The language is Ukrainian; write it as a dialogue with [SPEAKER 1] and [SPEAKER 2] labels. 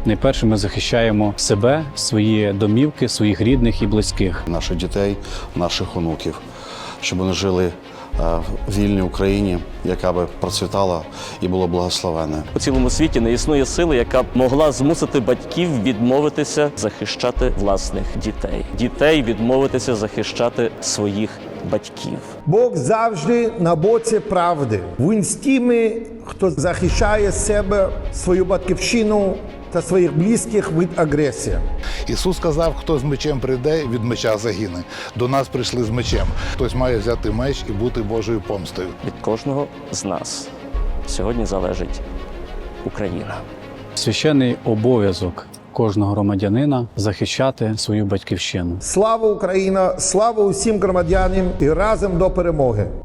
[SPEAKER 1] найперше ми захищаємо себе, свої домівки, своїх рідних і близьких.
[SPEAKER 2] Наших дітей, наших онуків, щоб вони жили в вільній Україні, яка би процвітала і була благословена.
[SPEAKER 3] У цілому світі не існує сили, яка б могла змусити батьків відмовитися захищати власних дітей. Дітей відмовитися захищати своїх батьків.
[SPEAKER 4] Бог завжди на боці правди. Він з тими, хто захищає себе, свою батьківщину та своїх близьких від агресії.
[SPEAKER 5] Ісус сказав, хто з мечем прийде, від меча загине. До нас прийшли з мечем. Хтось має взяти меч і бути Божою помстою.
[SPEAKER 3] Від кожного з нас сьогодні залежить Україна.
[SPEAKER 1] Священний обов'язок кожного громадянина захищати свою батьківщину.
[SPEAKER 4] Слава Україна! Слава усім громадянам і разом до перемоги!